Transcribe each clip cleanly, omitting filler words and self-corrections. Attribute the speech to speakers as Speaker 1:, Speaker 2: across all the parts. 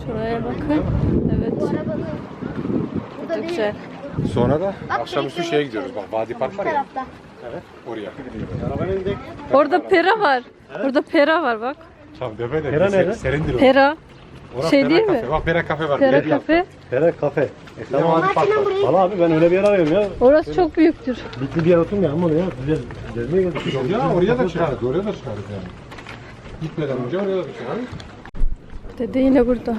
Speaker 1: Şuraya bakın. Evet. Burada güzel.
Speaker 2: Sonra da akşamüstü şeye gidiyoruz. Bak Vadi Park var ya. Evet. Oraya.
Speaker 1: Orada pera var. Orada pera var bak.
Speaker 2: Tabii deme de.
Speaker 3: Pera nerede?
Speaker 2: Serindir o.
Speaker 1: Pera.
Speaker 2: Orası
Speaker 1: Şey
Speaker 2: Pera
Speaker 1: değil
Speaker 2: kafe.
Speaker 1: mi?
Speaker 2: Bak Pera kafe var.
Speaker 1: Pera
Speaker 2: Pera
Speaker 1: kafe.
Speaker 3: Pera kafe.
Speaker 2: Tamam. Vadi Park var.
Speaker 3: Valla abi ben öyle bir yer arıyorum ya.
Speaker 1: Orası çok büyüktür.
Speaker 3: Bitli bir yer oturmayalım oraya. Güzel. Gezmeye geldik.
Speaker 2: Ya oraya da çıkarız. Oraya da çıkarız yani. Gitmeden önce oraya da çıkarız.
Speaker 1: Dede yine burada.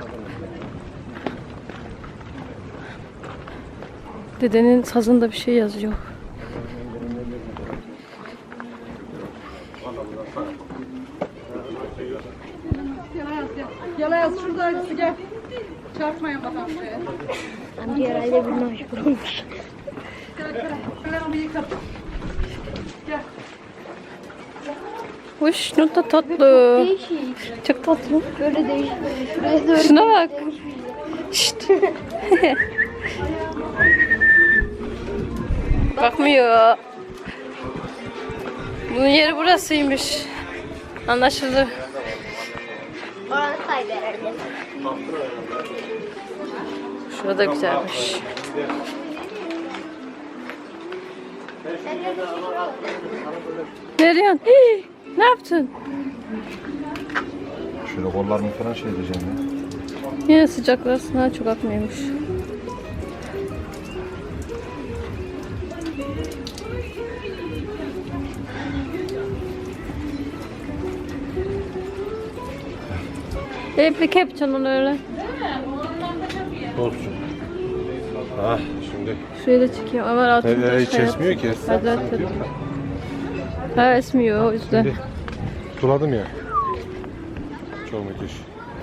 Speaker 1: Dedenin sazında bir şey yazıyor.
Speaker 4: Yala yaz şurada hangisi gel. Çarpmayın bakalım şuraya.
Speaker 5: Amca herhalde bunu meşgul olmuş.
Speaker 4: Kalemimi yıkat. Gel.
Speaker 1: Hoş, ne da tatlı.
Speaker 5: Değişik.
Speaker 1: Çok tatlı.
Speaker 5: Böyle değişik. Şuraya doğru.
Speaker 1: Şuna bak. Şşt. Bakmıyor. Bunun yeri burasıymış. Anlaşıldı.
Speaker 5: Oranı saydı herhalde.
Speaker 1: Şurada güzelmiş. Ne diyorsun? Hii, ne yaptın?
Speaker 2: Şöyle kollarını falan şey edeceğim ya.
Speaker 1: Yine sıcaklar sana çok atmıyormuş. Replik yapacaksın onu öyle.
Speaker 2: Olsun. Ah şimdi.
Speaker 1: Şurayı da çekeyim ama altında
Speaker 2: Hiç esmiyor ki.
Speaker 1: Hadi hadi. Ha esmiyor o yüzden.
Speaker 2: Şimdi suladım ya. Çok müthiş.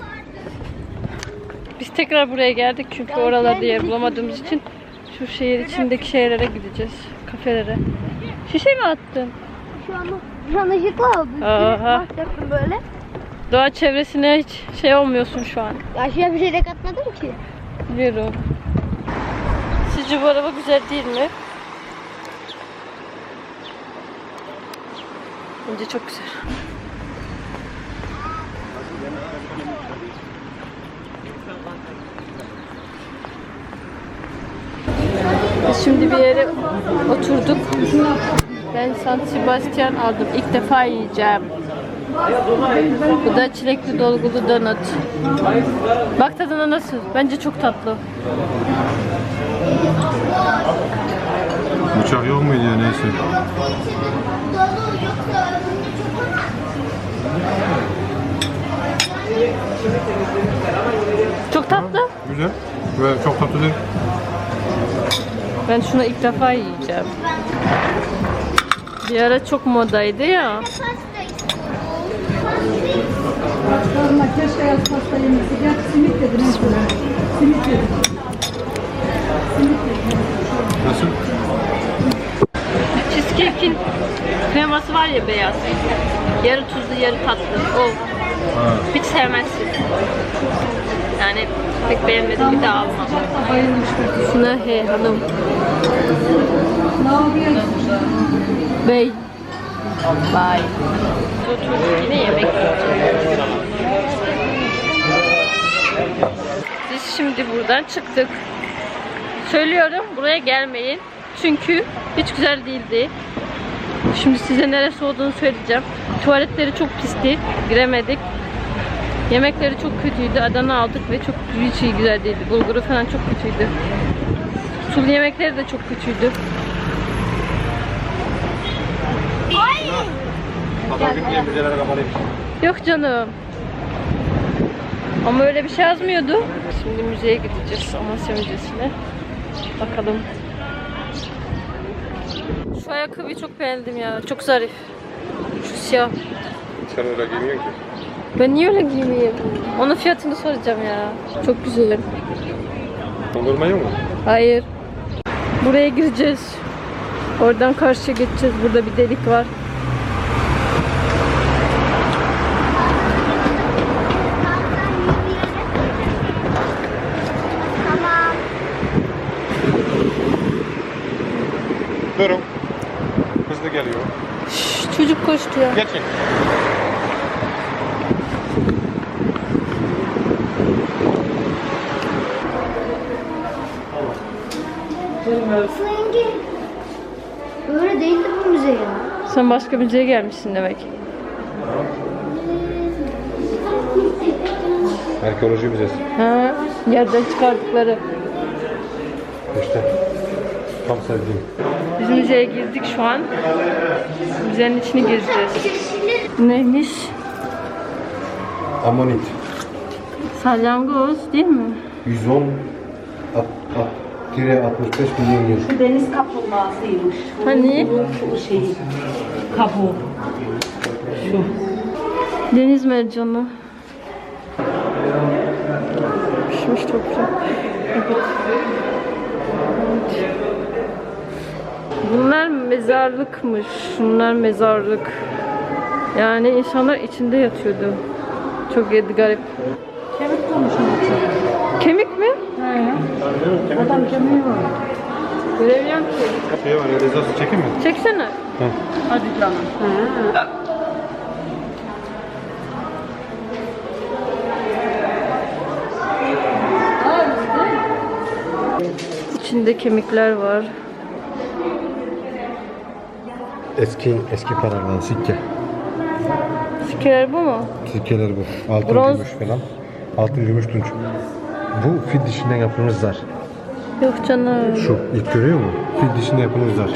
Speaker 1: Biz tekrar buraya geldik çünkü oralarda yer bulamadığımız için şu şehir içindeki şeylere gideceğiz. Kafelere. Şişe mi attın?
Speaker 5: Şu an ışıklı oldu.
Speaker 1: Aha.
Speaker 5: Bakacaktım böyle.
Speaker 1: Doğa çevresine hiç şey olmuyorsun şu an.
Speaker 5: Aşağıya bir şey de katmadım ki.
Speaker 1: Biliyorum. Sizce bu araba güzel değil mi? Bence çok güzel. Biz şimdi bir yere oturduk. Ben San Sebastian aldım. İlk defa yiyeceğim. Bu da çilekli dolgulu donut. Bak tadına nasıl? Bence çok tatlı.
Speaker 2: Bıçak yok muydu ya neyse.
Speaker 1: Çok tatlı.
Speaker 2: Güzel. Ve çok tatlı değil.
Speaker 1: Ben şunu ilk defa yiyeceğim. Bir ara çok modaydı ya.
Speaker 4: Sorma keşke yaz pasta yemesi. Gel simit dedim. Simit dedim.
Speaker 2: Nasıl?
Speaker 1: Cheesecake'in kreması var ya beyaz. Yarı tuzlu yarı tatlı. O. Hiç sevmezsin. Yani pek beğenmedim bir daha almam.
Speaker 4: Bayılmışlar.
Speaker 1: Şuna he hanım.
Speaker 4: Ne yapıyorsun?
Speaker 1: Bey. Bye. Oturduk yine yemek yiyeceğiz. Biz şimdi buradan çıktık. Söylüyorum buraya gelmeyin. Çünkü hiç güzel değildi. Şimdi size neresi olduğunu söyleyeceğim. Tuvaletleri çok pisti. Giremedik. Yemekleri çok kötüydü. Adana aldık ve çok hiç iyi güzel değildi. Bulguru falan çok kötüydü. Sulu yemekleri de çok kötüydü. Yok canım. Ama öyle bir şey yazmıyordu. Şimdi müzeye gideceğiz. Amasya Müzesi'ne. Bakalım. Şu ayakkabıyı çok beğendim ya. Çok zarif. Şu siyah.
Speaker 2: Sen öyle giymiyorsun ki.
Speaker 1: Ben niye öyle giymeyeyim? Onun fiyatını soracağım ya. Çok güzel.
Speaker 2: Dondurma yok mu?
Speaker 1: Hayır. Buraya gireceğiz. Oradan karşıya geçeceğiz. Burada bir delik var.
Speaker 5: Tamam.
Speaker 2: Durun. Hızlı geliyor.
Speaker 1: Şşş, çocuk koştu ya.
Speaker 2: Geçin.
Speaker 5: Rengi. Böyle değildi bu müze ya.
Speaker 1: Sen başka müzeye gelmişsin demek.
Speaker 2: Arkeoloji müzesi.
Speaker 1: Ha, yerden çıkardıkları.
Speaker 2: İşte tam sevdiğim.
Speaker 1: Biz müzeye girdik şu an. Müzenin içini gezeceğiz. Neymiş?
Speaker 2: Amonit.
Speaker 1: Salyangoz değil mi?
Speaker 2: 110 65 milyon yıl.
Speaker 6: Deniz kaplumbağasıymış.
Speaker 1: Hani?
Speaker 6: Şu şey, kabuğu.
Speaker 1: Deniz mercanı. Pişmiş toprak. Evet. Bunlar mezarlıkmış. Şunlar mezarlık. Yani insanlar içinde yatıyordu. Çok garip.
Speaker 6: Kemik konuşuyor.
Speaker 1: Kemik mi?
Speaker 6: Adam kemiği var.
Speaker 1: Göremiyorum ki.
Speaker 2: Şey var ya, rezası çekin mi?
Speaker 1: Çeksene.
Speaker 6: Hadi canım.
Speaker 1: İçinde kemikler var.
Speaker 2: Eski paralar, sikke.
Speaker 1: Sikkeler bu mu?
Speaker 2: Sikkeler bu. Altın
Speaker 1: Bronz.
Speaker 2: gümüş falan. Altın gümüş tunç. Bu fil dişinden yapılmış zar.
Speaker 1: Yok canım.
Speaker 2: Şu ilk görüyor musun? Fil dişinden yapılmış zar.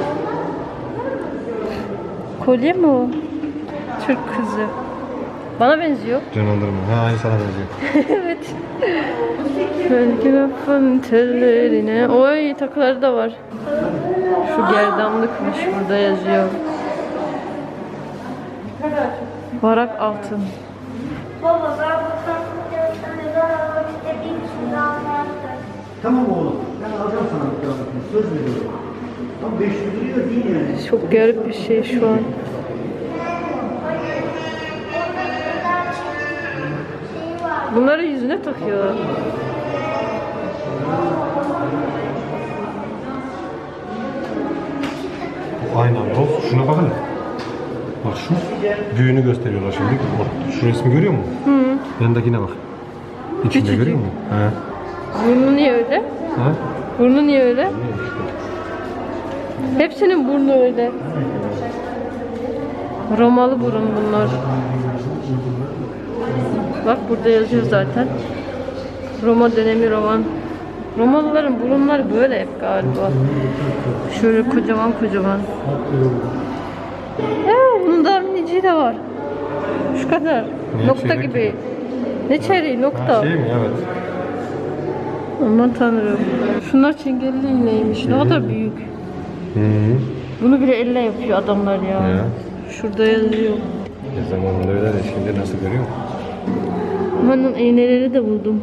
Speaker 1: Kolye mi o? Türk kızı. Bana benziyor.
Speaker 2: Canlandırma. Ha, aynı sana benziyor.
Speaker 1: Evet. Belki lafın tellerine. Oy takıları da var. Şu gerdanlıkmış burada yazıyor. Varak altın.
Speaker 5: Baba ben bu tarafta neden almak istediğim için almaktır.
Speaker 3: Tamam oğlum. Ben alacağım sana bir kıyafetini. Söz veriyorum. Tam 500 liraya değil yani.
Speaker 1: Çok garip bir şey şu an. Bunları yüzüne takıyorlar.
Speaker 2: Bu aynen dost. Şuna bakın. Bak şu büyüğünü gösteriyorlar şimdi. Bak şu resmi görüyor musun? Hı. Yanındakine bak. İçinde
Speaker 1: Küçücük.
Speaker 2: görüyor musun? He.
Speaker 1: Burnu niye öyle?
Speaker 2: Ha?
Speaker 1: Burnu niye öyle? Hepsinin burnu öyle. Romalı burun bunlar. Bak burada yazıyor zaten. Roma dönemi roman. Romalıların burunları böyle hep galiba. Şöyle kocaman kocaman. Bunun daha miniciği de var. Şu kadar.
Speaker 2: Ne,
Speaker 1: Nokta
Speaker 2: çeyrek
Speaker 1: gibi.
Speaker 2: gibi?
Speaker 1: Ne çeyreği? Nokta.
Speaker 2: Ha, şey mi? Evet.
Speaker 1: Aman tanrım. Şunlar çengelli iğneymiş. Ne kadar büyük.
Speaker 2: Hı.
Speaker 1: Bunu bile elle yapıyor adamlar ya.
Speaker 2: Ya.
Speaker 1: Şurada yazıyor.
Speaker 2: Zamanında öyle de şimdi nasıl görüyor musun?
Speaker 1: Amanın iğneleri de buldum.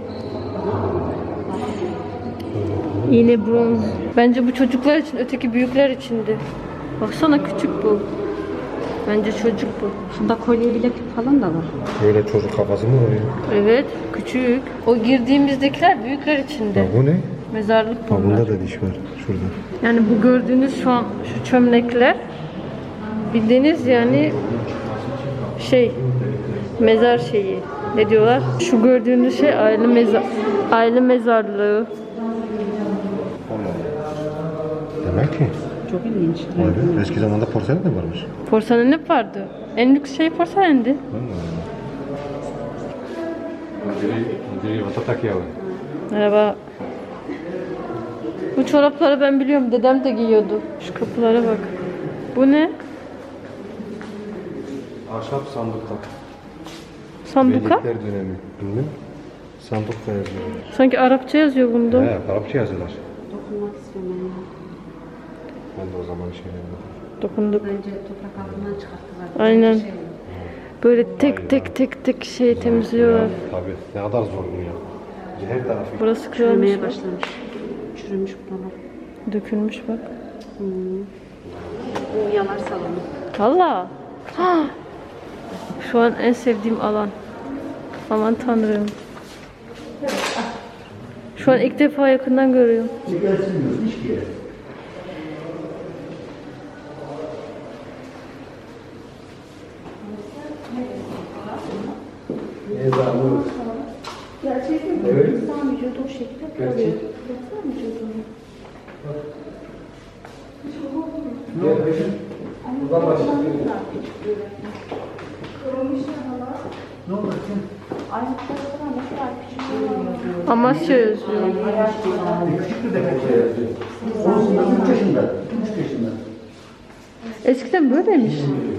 Speaker 1: İğne bronz. Bence bu çocuklar için, öteki büyükler içindi. Baksana küçük bu. Bence çocuk bu.
Speaker 6: Şunda kolye bileklik falan da var.
Speaker 2: Böyle çocuk kafası mı oluyor?
Speaker 1: Evet, küçük. O girdiğimizdekiler büyükler içinde.
Speaker 2: Ya bu ne?
Speaker 1: Mezarlık
Speaker 2: Ha,
Speaker 1: bunlar.
Speaker 2: bunda da diş var. Şurada.
Speaker 1: Yani bu gördüğünüz şu an şu çömlekler bildiğiniz yani mezar şeyi. Ne diyorlar? Şu gördüğünüz şey aile mezarlığı.
Speaker 2: Demek ki.
Speaker 6: Çok ilginç.
Speaker 2: Abi, eski zamanda porselen de varmış.
Speaker 1: Porselen hep vardı. En lüks şey porselendi.
Speaker 2: Diri vatatak yağı.
Speaker 1: Merhaba. Bu çorapları ben biliyorum. Dedem de giyiyordu. Şu kapılara bak. Bu ne?
Speaker 2: Ahşap sandıklar.
Speaker 1: Sanduka?
Speaker 2: Beylikler dönemi. Bilmem. Sandık da yazıyor.
Speaker 1: Sanki Arapça yazıyor bunda.
Speaker 2: He, Arapça yazıyorlar.
Speaker 6: Dokunmak istiyorum ben.
Speaker 2: Ben de o zaman şey yapmadım.
Speaker 1: Dokunduk.
Speaker 6: Bence toprak altından çıkarttılar.
Speaker 1: Aynen. Böyle tek şey temizliyorlar.
Speaker 2: Tabii. Ne kadar zor bu ya. Her tarafı.
Speaker 1: Burası kırılmış.
Speaker 6: Çürümeye
Speaker 1: bak.
Speaker 6: başlamış. Çürümüş buralar.
Speaker 1: Dökülmüş bak.
Speaker 6: Bu yanar salonu.
Speaker 1: Valla. Ha! Şu an en sevdiğim alan. Aman tanrım. Şu an ilk defa yakından görüyorum.
Speaker 2: Buradan başlayalım.
Speaker 3: Ne olur sen?
Speaker 1: Amasya yazıyor.
Speaker 3: Küçük bir demek şey yazıyor. Olsun da 3 yaşında. 3 yaşında.
Speaker 1: Eskiden böyleymiş.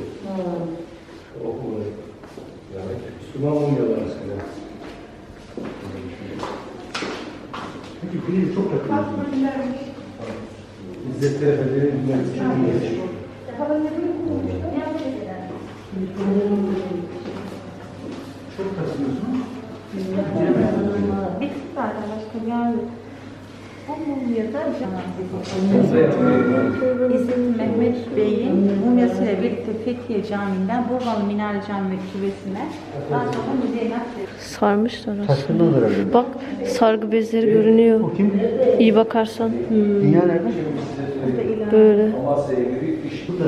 Speaker 2: Yani Müslüman olmuyorlar eskiden.
Speaker 3: Çünkü pili çok yakın.
Speaker 2: İzzet Efendi'nin bilmem
Speaker 3: Çok kasıyorsun.
Speaker 5: Bir tık var başka yani. Bu mumyada İzzet Mehmet Bey'in mumyasıyla birlikte Fethiye Camii'nden Burgalı Minare Camii Küvesi'ne daha sonra müzeye nakledildi.
Speaker 1: Sarmışlar aslında.
Speaker 3: Taşkınlıdır herhalde.
Speaker 1: Bak sargı bezleri görünüyor.
Speaker 3: O kim?
Speaker 1: İyi bakarsan.
Speaker 3: Dünya nerede?
Speaker 1: Böyle.
Speaker 2: Amasya'ya girip iş.
Speaker 3: Burada.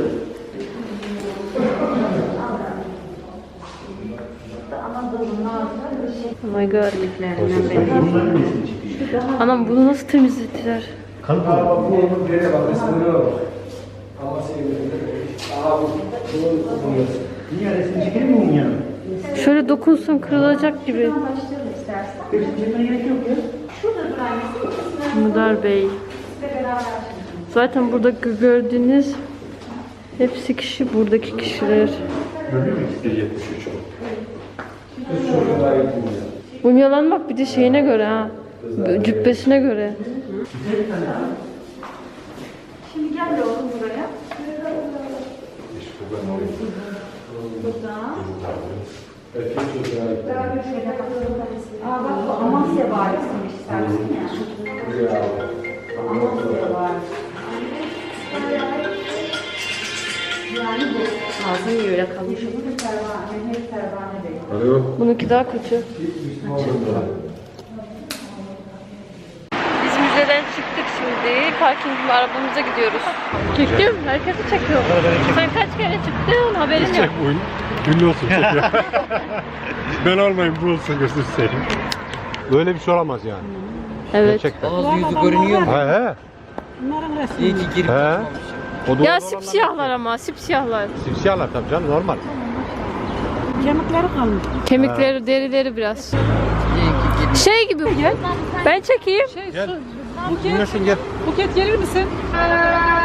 Speaker 5: Anadolu'nun ağzına bir şey.
Speaker 1: Oh my god.
Speaker 3: Bunların resmi çekiyor.
Speaker 1: Anam bunu nasıl temizlettiler?
Speaker 3: Kalıp
Speaker 2: Bak bu onun nereye bak resmine bak. Amasya'ya girip aha bu.
Speaker 3: Dünya resmi çekelim mi bunun yanına?
Speaker 1: Şöyle dokunsun kırılacak gibi.
Speaker 5: Başlayalım istersen.
Speaker 3: Hepsini çekmeye gerek yok ya.
Speaker 5: Şurada duran resim
Speaker 1: Mudar Bey.
Speaker 5: ve beraber.
Speaker 1: Zaten burada gördüğünüz hepsi kişi, buradaki kişiler.
Speaker 2: Görüyor musun? 73 o. Üç çocuğuna gittim ya.
Speaker 1: Mumyalanmak bir de şeyine göre ha. Cübbesine göre.
Speaker 5: Şimdi gel oğlum buraya.
Speaker 2: İşte ben orayı. Erkek çocuğuna gittim.
Speaker 5: Aa bak bu Amasya Valisi'ymiş sensin ya.
Speaker 2: Ya.
Speaker 5: Amasya Valisi. Yani bu.
Speaker 6: Ağzı niye öyle kalmış?
Speaker 5: Bu da Pervane, Mehmet Pervane Bey.
Speaker 2: Alo.
Speaker 1: Bununki daha kötü. Biz müzeden çıktık şimdi. Parkingin arabamıza gidiyoruz. Çektim. Herkesi çekiyor. Sen kaç kere çıktın? Haberin yok.
Speaker 2: Ünlü olsun çekiyor. Ben olmayayım bu olsun gösterseydim. Böyle bir şey olamaz yani.
Speaker 1: Evet.
Speaker 2: Gerçekten.
Speaker 7: Ağzı yüzü görünüyor mu?
Speaker 2: He he.
Speaker 7: İyi ki girip
Speaker 2: He. O
Speaker 1: Ya
Speaker 2: doğru
Speaker 1: sipsiyahlar ama sipsiyahlar.
Speaker 2: Sipsiyahlar tabii canım normal.
Speaker 4: Kemikleri kalmış.
Speaker 1: Kemikleri, derileri biraz.
Speaker 7: iyi ki girip.
Speaker 1: Şey gibi gel. Ben çekeyim.
Speaker 2: Gel. Dinlesin gel.
Speaker 4: Buket gelir misin?